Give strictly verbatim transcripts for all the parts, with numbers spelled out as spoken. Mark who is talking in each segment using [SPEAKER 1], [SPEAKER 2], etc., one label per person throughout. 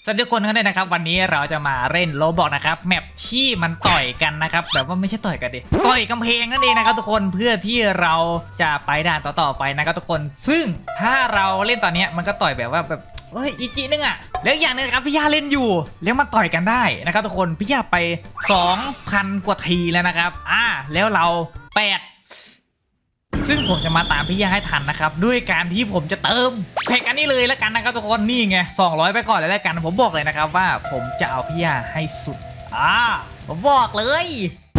[SPEAKER 1] สวัสดีทุกคนกันด้วยนะครับวันนี้เราจะมาเล่นโรบอกนะครับแมปที่มันต่อยกันนะครับแบบว่าไม่ใช่ต่อยกันดิต่อยกำแพงนั่นเองนะครับทุกคนเพื่อที่เราจะไปด่านต่อๆไปนะครับทุกคนซึ่งถ้าเราเล่นตอนนี้มันก็ต่อยแบบว่าแบบเฮ้ยอีจีนึงอ่ะแล้วอย่างนึงครับพี่ย่าเล่นอยู่แล้วมันต่อยกันได้นะครับทุกคนพี่ย่าไป สองพัน กว่าทีแล้วนะครับอ่าแล้วเราแปดซึ่งผมจะมาตามพี่ย่าให้ทันนะครับด้วยการที่ผมจะเติมเพกอันนี้เลยแล้วกันนะครับทุกคนนี่ไงสองร้อยไปก่อนเลยแล้วกันผมบอกเลยนะครับว่าผมจะเอาพี่ย่าให้สุดอ่าผมบอกเลย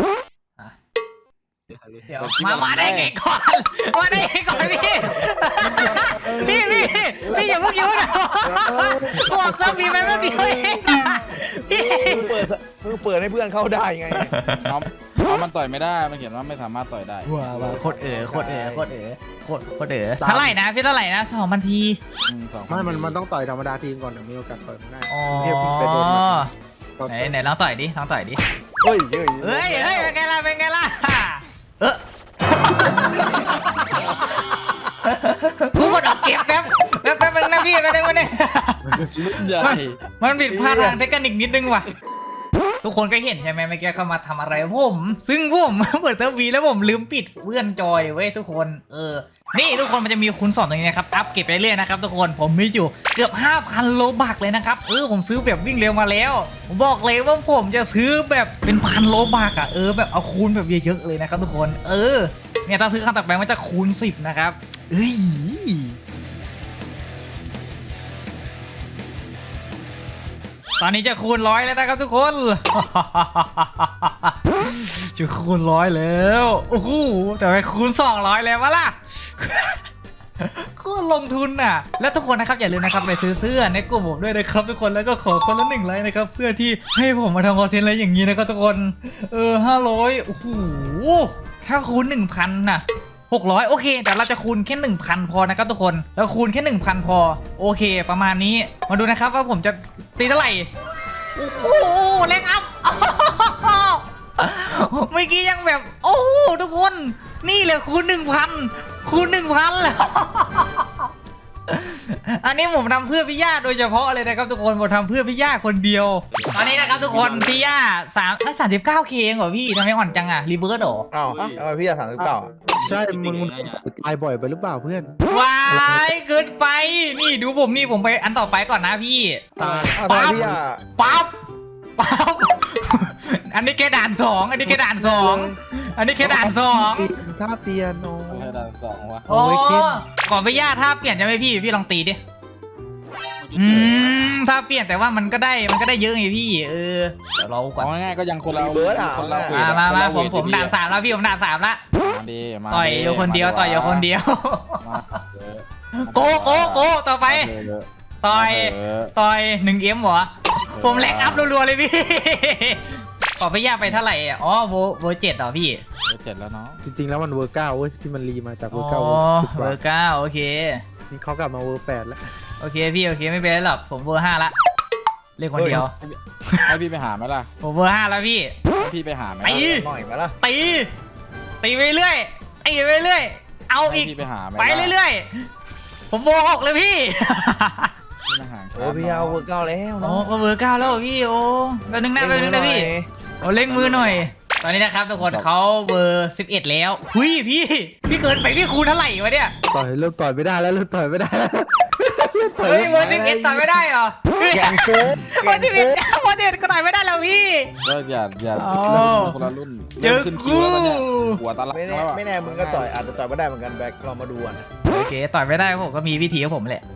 [SPEAKER 1] เดี๋ยวมามาได้ไงก่อนมาได้ไงก่อนพี่พี่พี่พี่อย่าเพิ่งยุ่งนะบอกจะมีไหมไม่มีเลยพี่
[SPEAKER 2] เปิดมือเปิดให้เพื่อนเข้าได้ไง
[SPEAKER 3] น้องน้องมันต่อยไม่ได้มันเขียนว่าไม่สามารถต่อยได้
[SPEAKER 1] ว้าวโคตรเอ๋อโคตรเอ๋อโคตรเอ๋อโคตรโคตรเอ๋อเท่าไหร่นะพี่เท่าไหร่นะสองพันที
[SPEAKER 3] อืมสอง
[SPEAKER 4] ไม่มันมันต้องต่อยธรรมดาทีมก่อนถึงมีโอกาสต่อยมันได้
[SPEAKER 1] อ๋อ
[SPEAKER 4] เทียบไปโดนมัน
[SPEAKER 1] ไหนไหนลองต่อยดิลองต่อยดิ
[SPEAKER 2] เฮ้ยเฮ้ย
[SPEAKER 1] เฮ้ยเฮ้ยเป็นไงล่ะเป็นไงล่ะเออกูกดออกเก็บแป๊บแป๊บแป๊บนึงนะพี่แป๊บนึงวะเนี่ย
[SPEAKER 3] รุ่นใหญ่
[SPEAKER 1] มันผิดพลาดทางเทคนิคนิดนึงว่ะทุกคนก็เห็นใช่ไหมเมื่อกี้เข้ามาทำอะไรผมซึ่งผมเปิดเทอร์วีแล้วผมลืมปิดเพื่อนจอยเว้ยทุกคนเออนี่ทุกคนมันจะมีคูณสองตรงนี้นะครับอัพเก็บไปเรื่อยนะครับทุกคนผมมีอยู่เกือบ ห้าพัน โลบักเลยนะครับเออผมซื้อแบบวิ่งเร็วมาแล้วผมบอกเลยว่าผมจะซื้อแบบเป็นพันโลบักอ่ะเออแบบเอาคูณแบบเยอะๆเลยนะครับทุกคนเออเนี่ยถ้าซื้อครั้งต่อไปมันจะคูณสิบนะครับเอ้ยตอนนี้จะคูณร้อยแล้วนะครับทุกคน จะคูณร้อยแล้วโอ้โหแต่ไปคูณสองร้อยแล้ววะล่ะ คูณลงทุนน่ะแล้วทุกคนนะครับอย่าลืมนะครับไปซื้อเสื้อในกลุ่มผมด้วยนะครับทุกคนแล้วก็ขอคนละหนึ่งไลค์นะครับเพื่อที่ให้ผมมาทำคอนเทนต์อะไรอย่างนี้นะครับทุกคนเออห้าร้อยโอ้โหถ้าคูณ หนึ่งพัน น่ะหกร้อยโอเคแต่เราจะคูณแค่ หนึ่งพัน พอนะครับทุกคนแล้วคูณแค่ หนึ่งพัน พอโอเคประมาณนี้มาดูนะครับว่าผมจะตีเท่าไหร่โอ้โหแรงอัพ เมื่อกี้ยังแบบโอ้ทุกคนนี่เลยคูณ หนึ่งพัน คูณ หนึ่งพัน แล้ว อันนี้ผมทำเพื่อพี่ย่าโดยเฉพาะเลยนะครับทุกคนผมทำเพื่อพี่ย่าคนเดียวตอนนี้นะครับทุกคนพี่ย่าสามสามสิบเก้าเคเองเหรอพี่ทำไมอ่อนจังอะรีเบิร์ดเหรอ
[SPEAKER 2] อ้าวทำไมพี่อยากถามหรือเปล่า
[SPEAKER 4] ใช่มึงมึงตายบ่อยไปหรือเปล่าเพื่อน
[SPEAKER 1] วายเกินไปนี่ดูผมนี่ผมไปอันต่อไปก่อนนะพี่
[SPEAKER 4] ตาย
[SPEAKER 2] อ้าวทำไมพี่อยาก
[SPEAKER 1] ปั๊บปั๊บ อันนี้แค่ด่านสองอันนี้แค่ด่านสองอันนี้แค่ด่านสอง
[SPEAKER 4] ท่าเปียโน
[SPEAKER 3] ให้ด่านสองวะ
[SPEAKER 1] โอ้ก่อนไปย่าถ้าเปลี่ยนจะไหมพี่พี่ลองตีดิอืมถ้าเปลี่ยนแต่ว่ามันก็ได้มันก็ได้เยอะไงพี่เออเดี๋ยวเราก่อน
[SPEAKER 3] เอาง่ายๆก็ยังคนละ
[SPEAKER 2] เบิร์ดอ่ะ
[SPEAKER 3] คนละเว
[SPEAKER 1] มา
[SPEAKER 3] ท
[SPEAKER 1] มามา
[SPEAKER 3] คน
[SPEAKER 1] ผม
[SPEAKER 3] ละเวท
[SPEAKER 1] ผมด่านสามแล้วพี่ผมด่านสามละ
[SPEAKER 3] มาดีมา
[SPEAKER 1] ต่อยอยู่คนเดียวต่อยอยู่คนเดียว
[SPEAKER 3] มาเออ
[SPEAKER 1] โกโกโกต่อไป
[SPEAKER 3] มาเถอะ
[SPEAKER 1] ต่อย
[SPEAKER 3] มาเถอะ
[SPEAKER 1] ต่อยหนึ่งเอ็มเหรอผมแรงอัพรัวๆเลยพี่ ขอไปย่าไปเท่าไหร่อ่ะอ๋อโวโวเจ็ดเหรอพี่
[SPEAKER 3] เดี๋ยวเจ็ดแล้วเนาะ
[SPEAKER 4] จริงๆแล้วมันเวอร์เก้าเว้ยที่มันรีมาจากเว
[SPEAKER 1] อ๋
[SPEAKER 4] อ
[SPEAKER 1] อ
[SPEAKER 4] ร์เก้าเวอร์สิบก
[SPEAKER 1] เบ
[SPEAKER 4] ว่า
[SPEAKER 1] อร์เก้าโอเค
[SPEAKER 4] นี่เขากลับมาเวอร์แปดแล้ว
[SPEAKER 1] โอเคพี่โอเคไม่เป็นไรหรอกผมเบอร์ห้าละเล่นคนเดียว
[SPEAKER 3] ให้พี่ไปหาไหมล่ะ
[SPEAKER 1] ผมเบอร์ห้าแล้วพี่
[SPEAKER 3] ให้พี่ไปหาไหม
[SPEAKER 1] ไป
[SPEAKER 3] ล่ะ
[SPEAKER 2] หน่อยไหมล่ะ
[SPEAKER 1] ตีตีไปเรื่อยตีไปเรื่อยเอา
[SPEAKER 3] ให้
[SPEAKER 1] อีก
[SPEAKER 3] พี่ไปหาไหม
[SPEAKER 1] ไปเรื่อยๆผมเบอร์หกเลยพี่
[SPEAKER 3] พี่มาหา
[SPEAKER 2] โอ้พี่เอาเวอร์เก้าแล้ว
[SPEAKER 1] โอ้
[SPEAKER 2] เนาะ
[SPEAKER 1] ก็เบอร์เก้าแล้วพี่โอ้แป๊บนึงนะแป๊บนึงนะพี่โอ้เล่งมือหน่อย ตอนนี้นะครับทุกคนเขาเบอร์สิบเอ็ดแล้วหุยพี่พี่เกินไปพี่คูณเท่าไหร่วะเนี่ย
[SPEAKER 4] ต่อยเริ่มต่อยไม่ได้แล้วเริ่มต่อยไม่ได้แล้ว
[SPEAKER 1] เฮ้ยเบอร์สิบเอ็ดต่อยไม่ได้เหรอ
[SPEAKER 2] แข่งโค้ง
[SPEAKER 1] เบอร์สิบเอ็ดเบอร์สิบเอ็ดก็ต่อยไม่ได้แล้วพี่
[SPEAKER 3] ก็อย่าอย่า
[SPEAKER 1] อ๋อ
[SPEAKER 3] คนละรุ่น
[SPEAKER 1] เจอ
[SPEAKER 3] ขึ้นคิวแล้วเนี่ย
[SPEAKER 1] กู
[SPEAKER 3] หัวตาลัก
[SPEAKER 2] ไม่แน่
[SPEAKER 3] แล้วอะ
[SPEAKER 2] ไม่แน่มึงก็ต่อยอาจจะต่อยไม่ได้เหมือนกันแบ็คเรามาดูกัน
[SPEAKER 1] โอเคต่อยไม่ได้ผมก็มีวิธีของผมแหละ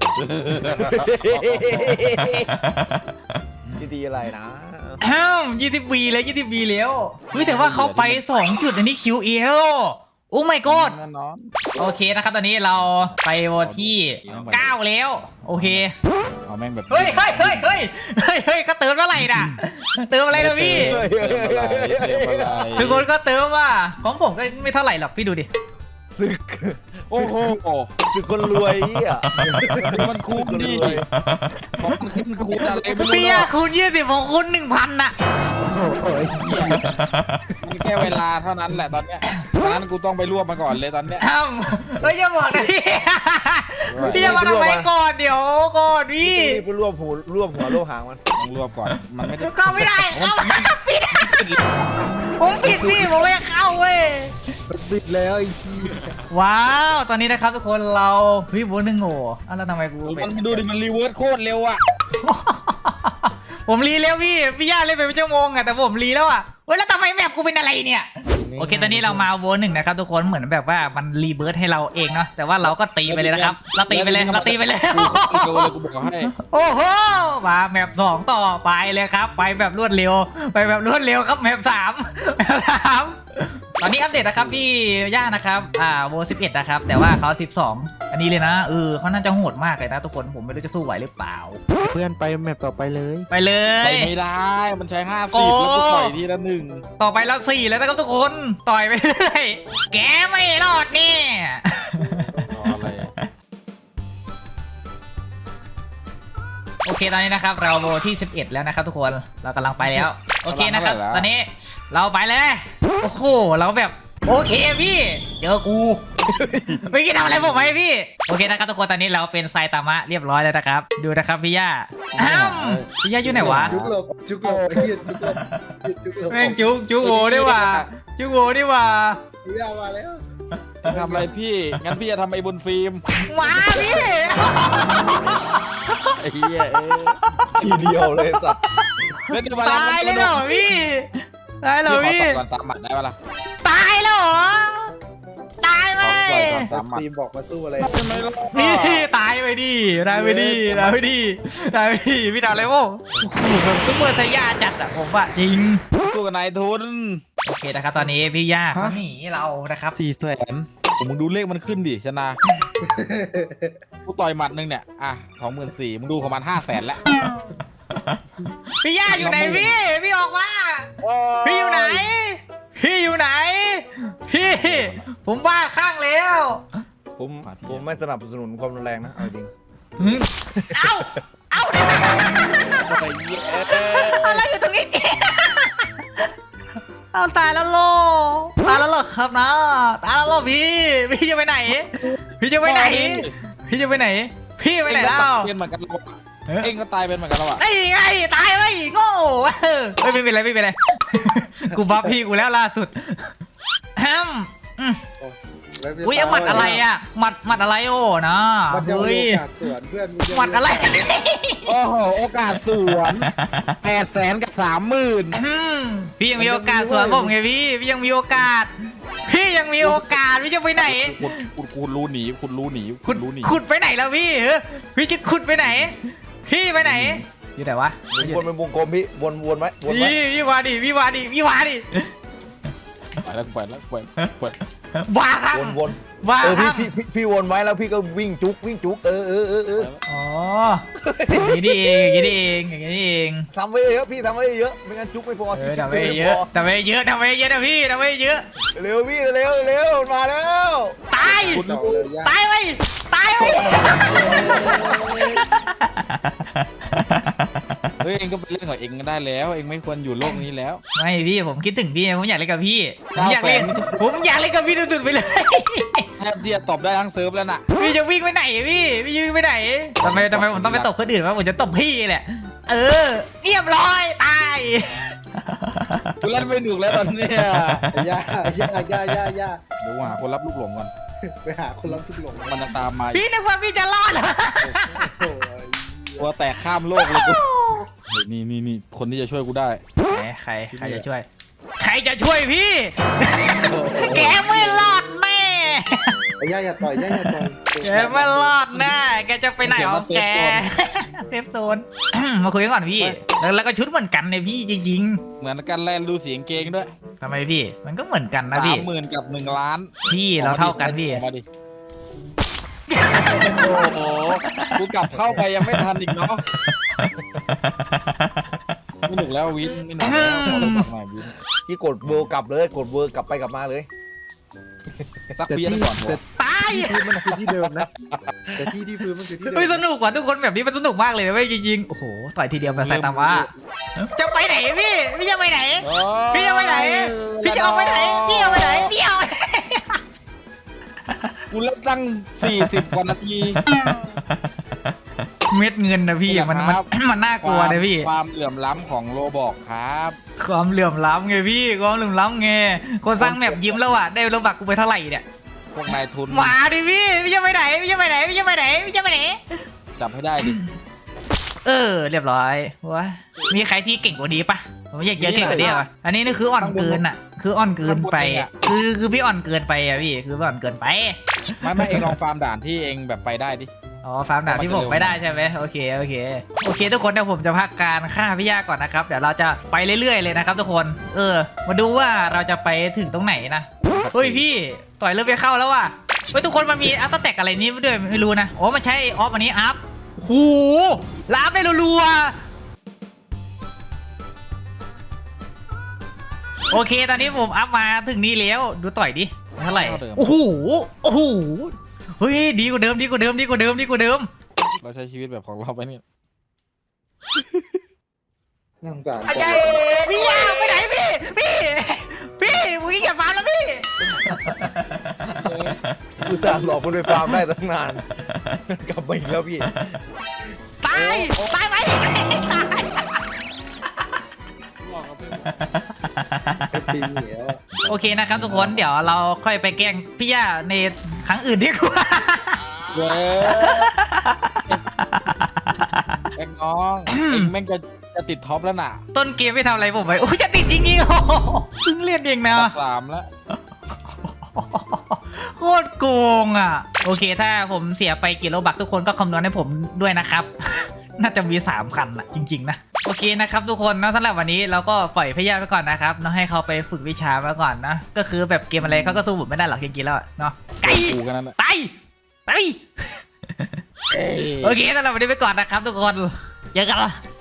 [SPEAKER 2] ดีๆอะไรนะ
[SPEAKER 1] อ้าวยี่สิบวีแล้วยี่สิบวีแล้วเฮ้ยแต่ว่าเขาไปสองจุดอันนี้คิวเอลโอ้ my god
[SPEAKER 3] แน่นอน
[SPEAKER 1] โอเคนะครับตอนนี้เราไปวันที่เก้าแล้วโอเค
[SPEAKER 3] เอาแม่งแบบ
[SPEAKER 1] เฮ้ยเฮ้ยเฮ้ยเฮ้ยเฮ้ยเฮ้ยก็เติมเท่าไหร่น่ะเติมอะไรนะพี่
[SPEAKER 2] เฮ้ย
[SPEAKER 3] เติมอะไรเติมอะไร
[SPEAKER 1] ทุกคนก็เติมว่าของผมก็ไม่เท่าไหร่หรอกพี่ดูดิ
[SPEAKER 2] ศึก
[SPEAKER 3] โอ้โห
[SPEAKER 2] ศึกคนรวยอ่ะ
[SPEAKER 3] มันคุ้มดิของมันขึ้นคูณอะไรไม่รู้
[SPEAKER 1] พี่
[SPEAKER 3] เน
[SPEAKER 1] อะ
[SPEAKER 3] อะ
[SPEAKER 1] คูณยี่สิบของคุณหนึ่งพันน่ะ
[SPEAKER 4] โอ้ย
[SPEAKER 3] มันแค่เวลาเท่านั้นแหละตอนเนี้ยตอนนั้นกูต้องไปรวบมาก่อนเลยตอนเนี้ย
[SPEAKER 1] อ้ำเฮ้ยอย่าบอกนะพี่พี่จะมาทำไมก่อนเดี๋ยวก่อนพี่
[SPEAKER 2] นี่ไปรวบหัวรวบหัวรวบหางมัน
[SPEAKER 3] ต้องรวบก่อนมันไม่ได้
[SPEAKER 1] เข้าไม่ได้เอ้าปิดผมปิดพี่ผมไม่เข้าเว้ย
[SPEAKER 4] มันบิดแล้วไอ้ขี้ย
[SPEAKER 1] ว้าวตอนนี้นะครับทุกคนเราพี่บูนหนึ่งโง่อ้าวแล้วทำไมกู
[SPEAKER 3] มันดูดิมันรีเวิร์สโคตรเร็วอ่ะ
[SPEAKER 1] ผมรีแล้วพี่พี่ย่าเล่นไปเป็นชั่วโมงอะแต่ผมรีแล้วอะเว้ยแล้วทำไมแมปกูเป็นอะไรเนี่ยโอเคตอนนี้เรามาโวหนึ่งนะครับทุกคนเหมือนแบบว่ามันรีเบิร์ตให้เราเองเนาะแต่ว่าเราก็ตีไปเลยนะครับเราตีไปเลยเราตีไปเลย
[SPEAKER 3] กูเลยกูบอกให้
[SPEAKER 1] โอ้โหมาแมปสองต่อไปเลยครับ ไปแบบรวดเร็ว ไปแบบรวดเร็วครับแมปสามแมปสามตอนนี้อัปเดตนะครับพี่ย่านะครับอ่าโวสิบเอ็ดนะครับแต่ว่าเขาสิบสองอันนี้เลยนะเออเขาน่าจะโหดมากเลยนะทุกคนผมไม่รู้จะสู้ไหวหรือเปล่า
[SPEAKER 4] เพื่อนไปแมปต่อไปเลย
[SPEAKER 1] ไปเล
[SPEAKER 3] ไป
[SPEAKER 1] ย
[SPEAKER 3] ไม่ได้มันใช้ห้า
[SPEAKER 1] โอ้
[SPEAKER 3] สิบแล้วกูต่อยทีละหนึ่ง
[SPEAKER 1] ต่อไปแล้วสี่แล้วนะครับทุกคนต่อยไปเรื่อยแกไม่รอดนี่
[SPEAKER 3] รออะไรอะ
[SPEAKER 1] โอเคตอนนี้นะครับเราโวที่สิบเอ็ดแล้วนะครับทุกคนเรากำลังไปแล้วโอเคนะครับตอนนี้เราไปเลยโอ้โหเราแบบโอเคพี่เจอกูไม่คิดทำอะไรผมไหมพี่โอเคนะครับทุกคนตอนนี้เราเป็นไซตามะเรียบร้อยแล้วนะครับดูนะครับพี่ย่าอ้าวพี่ย่าอยู่ไหนวะ
[SPEAKER 4] จุกหลบจุกหลบไอ้เหี้ยจุกหลบจุกหลบ
[SPEAKER 1] แม่งจุกจุกโวดีกว่าจุกโวดีกว่า
[SPEAKER 4] พี่ยามาแล้ว
[SPEAKER 3] ทำอะไรพี่งั้นพี่จะทำไอ้บนฟิล์ม
[SPEAKER 1] มาพี่
[SPEAKER 3] ไอ้เหี้ยเอ้ย
[SPEAKER 2] ทีเดียวเลยสัตว์
[SPEAKER 3] เล่น
[SPEAKER 1] ตายเลยเหรอพี่ตายเหรอ
[SPEAKER 3] พี่
[SPEAKER 1] พี่
[SPEAKER 3] ขอตบก่อนสามหมัดได้ปะล่ะ
[SPEAKER 1] ตายแล้วเหรอตายไป
[SPEAKER 3] ขอต่อยก่อนสามหมัด
[SPEAKER 4] ทีมบอกมาสู้อะไร
[SPEAKER 3] ไม่รอด
[SPEAKER 1] พี่ตายไปดิตายไปดิตายไปดิตายไปดิพี่ทำอะไรวะโอ้โหแบบซุปเปอร์ไซย่าจัดอะผมอะจริง
[SPEAKER 3] สู้กับนายทุน
[SPEAKER 1] โอเคนะครับตอนนี้พี่ย่าเขาหนีเรานะครับ
[SPEAKER 3] สี่แสนผมมึงดูเลขมันขึ้นดิชนะกูต่อยหมัดหนึ่งเนี่ยอ่ะสองหมื่นสี่มึงดูของมันห้าแสนแล้ว
[SPEAKER 1] พี่ย่าอยู่ไหนพี่พี่ออกมาพี่อยู่ไหน พี่อยู่ไหน พี่ผมบ้าข้างแล้ว
[SPEAKER 2] ผมผมไม่สนับสนุนความรุนแรงนะเอาจริง
[SPEAKER 1] อืมเอ้าเอ้าอะไรอยู่ตรงนี้เจ๊เอาตายแล้วโลตายแล้วเหรอครับนะตายแล้วเหรอพี่พี่จะไปไหน พี่จะไปไหน พี่จะไปไหน พี่ไปไหนแล้ว
[SPEAKER 3] เป็นเหมือนกันเราเองก็ตายเป็นเหมือนกันแล้วอ่ะ
[SPEAKER 1] ไอ้ไงตายไปโง่เออไม่เป็นไรไม่เป็นไรกูบัฟพี่กูแล้วล่าสุดแฮมอืมอุ้ยเอาหมัดอะไรอ่ะหมัดหมัดอะไรโอ้นะ
[SPEAKER 4] มันจะ
[SPEAKER 1] เฮ้ย
[SPEAKER 4] โอกาสสวนเพื่อนงจะ
[SPEAKER 1] หมัดอะไร
[SPEAKER 3] โอ้โหโอกาสสวนแปดแสนกับสามหมื่น
[SPEAKER 1] อืมพี่ยังมีโอกาสสวนผมไงพี่พี่ยังมีโอกาส พี่ยังมีโอกาสพี่จะไปไหน
[SPEAKER 3] คุณคุณคุณรู้หนีคุณรู้หนี
[SPEAKER 1] ขุ
[SPEAKER 3] คุ
[SPEAKER 1] ด
[SPEAKER 3] ณรู้หนี
[SPEAKER 1] ขุดไปไหนแล้วพี่เออพี่จะขุดไปไหน พี่ไปไหนอยู่ไหนวะ
[SPEAKER 2] วนเป็นวงกลมพี่วนวนไว้วนไว้
[SPEAKER 1] พี่พี่วาดิพี่วาดิพี่วาดิ
[SPEAKER 3] ไปแล้วไปแล้วไปไป
[SPEAKER 1] บ้าครับ
[SPEAKER 2] วนวน
[SPEAKER 1] บ้า
[SPEAKER 2] เออ
[SPEAKER 1] ค
[SPEAKER 2] พี่
[SPEAKER 1] รับ
[SPEAKER 2] พี่พี่พี่วนไว้แล้วพี่ก็วิ่งจุกวิ่งจุกเออเออเออเออ
[SPEAKER 1] อ๋ออย่างนี้นี่เองอย่างนี้นี่เองอย่างนี้นี่เอง
[SPEAKER 2] ทำไว้เยอะพี่ทำไว้เยอะไม่งั้นจุกไม่พอ
[SPEAKER 1] เออทำไปเยอะทำไปเยอะทำไปเยอะนะพี่ทำไปเยอะ
[SPEAKER 2] เร็วพี่เร็วเร็วมาแล้ว
[SPEAKER 1] ตาย
[SPEAKER 4] ต่อเลยยาก
[SPEAKER 1] ตายไปตายไป
[SPEAKER 3] เฮ้ยเองก็ไปเล่นกับเองก็ได้แล้ว เองไม่ควรอยู่โลกนี้แล้ว
[SPEAKER 1] ไม่พี่ผมคิดถึงพี่ผมอยากเล่นกับพี่ผมอยากเล่นผมอยากเล่นกับพี่สุดๆไปเลย
[SPEAKER 3] แทบที่จะตบได้ทั้งเซิร์ฟแล้วน่ะ
[SPEAKER 1] พี่จะวิ่งไปไหนพี่พี่จะวิ่งไปไหนทำไมทำไมผมต้องไปตบคนอื่นวะผมจะตบพี่แหละเออเรียบร้อยตาย
[SPEAKER 3] กูเล่นไม่หนุกแล้วตอนเนี้ย
[SPEAKER 4] ย่าย่าย่าย่าย่า
[SPEAKER 3] เดี๋ยวหาคนรับลูกหลงก่อน
[SPEAKER 4] ไปหาคนรับทุกหลง
[SPEAKER 3] มันจะตามมา
[SPEAKER 1] พี่นึกว่าพี่จะรอดเหรอ
[SPEAKER 4] โอ้ย
[SPEAKER 3] ตัวแตกข้ามโลกเลยกูเฮ้ยนี่นี่นี่คนที่จะช่วยกูได้
[SPEAKER 1] ไหนใครใครจะช่วย ใครจะช่วยพี่ แกไม่รอดแน่
[SPEAKER 4] ไอ้ย่าอย่าต่อยย่าอย่าต่อย
[SPEAKER 1] แกไม่รอดแน่แกจะไปไหนของแกเซฟโซน มาคุยกันก่อนพี่แล้วแล้วก็ชุดเหมือนกันเนี่ยพี่จริง
[SPEAKER 3] เหมือนกันแลนดูเสียงเกงด้วย
[SPEAKER 1] ๆทำไมพี่ มันก็เหมือนกันนะ
[SPEAKER 3] สา
[SPEAKER 1] พี่
[SPEAKER 3] มหมื่นกับหนึ่งล้าน
[SPEAKER 1] พี่เราเท่ากันพี่
[SPEAKER 3] ออกมาดิโอ้โหกูกลับเข้าไปยังไม่ทันอีกเนาะไม่หนุกแล้ววินไม่หนุกแล้วขอลงหน่อยวิน
[SPEAKER 2] พี่กดเวิร์กลับเลยกดเวิร์กลับไปกลับมาเลย
[SPEAKER 3] สัก
[SPEAKER 4] แต่
[SPEAKER 3] เพี้ยน
[SPEAKER 4] ที่
[SPEAKER 3] ก่อน
[SPEAKER 4] แต่
[SPEAKER 1] ตาย
[SPEAKER 4] ที่พื้นมันคือที่เดิมนะแต่ที่ที่พื้นมันคือที่เดิม
[SPEAKER 1] เฮ้ยสนุกว่ะทุกคนแบบนี้มันสนุกมากเลยเว้ยจริงๆโอ้โหต่อยทีเดียวแบบใส่ตามว่าจะไปไหนพี่พี่จะไปไหนพี่จะไปไหนพี่จะเอาไปไหนพี่เอาไปไหนพี่เอาไปไหน
[SPEAKER 3] กูเล่นตั้งสี่สิบกว่านาที
[SPEAKER 1] เม็ดเงินนะพี่มันมันมันน่ากลัวเลยพี่
[SPEAKER 3] ความเหลื่อมล้ำของโลบอกครับ
[SPEAKER 1] ความเหลื่อมล้ำไงพี่ความเหลื่อมล้ำไงคนสร้างแมปยิ้มแล้วอ่ะได้โลบักกูไปเท่าไหร่เนี่ย
[SPEAKER 3] พวกนายทุน
[SPEAKER 1] มาดิพี่พี่จะไปไหนพี่จะไปไหนพี่จะไปไหนพี่จะไปไหน
[SPEAKER 3] จับให้ได้ดิ
[SPEAKER 1] เออเรียบร้อยว้ามีใครที่เก่งกว่านี้ปะผมอยากเจอเก่งกว่านี้ป่ะอันนี้นี่คืออ่อนเกินอ่ะ คืออ่อนเกินไปคือคือพี่อ่อนเกินไปอ่ะพี่คือพี่อ่อนเกินไป
[SPEAKER 3] ไม่ไม่เองลองฟาร์มด่านที่เองแบบไปได้ดิ
[SPEAKER 1] อ๋อฟาร์มดาบที่ผมไม่ได้ใช่ไหมโอเคโอเคโอเคทุกคนเดี๋ยวผมจะพักการฆ่าพี่ย่าก่อนนะครับเดี๋ยวเราจะไปเรื่อยๆเลยนะครับทุกคนเออมาดูว่าเราจะไปถึงตรงไหนนะเฮ้ยพี่ต่อยเริ่มไปเข้าแล้วว่ะเฮ้ยทุกคนมันมีอัพสแต็กอะไรนี้ด้วยไม่รู้นะอ๋อมันใช้ออฟอันนี้อัพหูลาบได้รัวๆโอเคตอนนี้ผมอัพมาถึงนี้แล้วดูต่อยดิเท่าไหร่โอ้โหโอ้โหเฮ้ยดีกว่าเดิมดีกว่าเดิมดีกว่าเดิมดีกว่าเดิม
[SPEAKER 3] เราใช้ชีวิตแบบของเราไปนี่
[SPEAKER 4] น่าสงสาร
[SPEAKER 1] อาจารย์พี่ยาไปไหนพี่พี่พี่มึงอย่าฟาร์มแล้วพี่
[SPEAKER 2] กูสามหลอกมันไปฟาร์มได้ตั้งนานกลับมาอีกแล้วพี่
[SPEAKER 1] ตายตายไหมตาย
[SPEAKER 4] ไอ้ปีเหนียว
[SPEAKER 1] โอเคนะครับทุกคนเดี๋ยวเราค่อยไปแกล้งพี่ย่าในครั้งอื่นดีกว่า
[SPEAKER 3] เว้ยเอ็งน้องเอ็งแม่งจะจะติดท็อปแล้วน่ะ
[SPEAKER 1] ต้นเกมไม่ทำอะไรผมไปโอ้ยจะติดจริงๆโอ้โหเพิ่งเล่นเองนะ
[SPEAKER 3] สามแล้ว
[SPEAKER 1] โคตรโกงอ่ะโอเคถ้าผมเสียไปกี่โลบักทุกคนก็คำนวณให้ผมด้วยนะครับ น่าจะมีสามคันอ่ะจริงๆนะโอเคนะครับทุกคนนะสำหรับวันนี้เราก็ปล่อยพี่ย่าไปก่อนนะครับเนาะให้เขาไปฝึกวิชามาก่อนนะก็คือแบบเกมอะไรเขาก็สู้ผมไม่ได้หรอกจริงๆแล้วอะเนาะไก่
[SPEAKER 3] กูกันนั่นแหละ
[SPEAKER 1] ไปไปโอเคสำหรับวันนี้ไปก่อนนะครับทุกคนเจอกันละ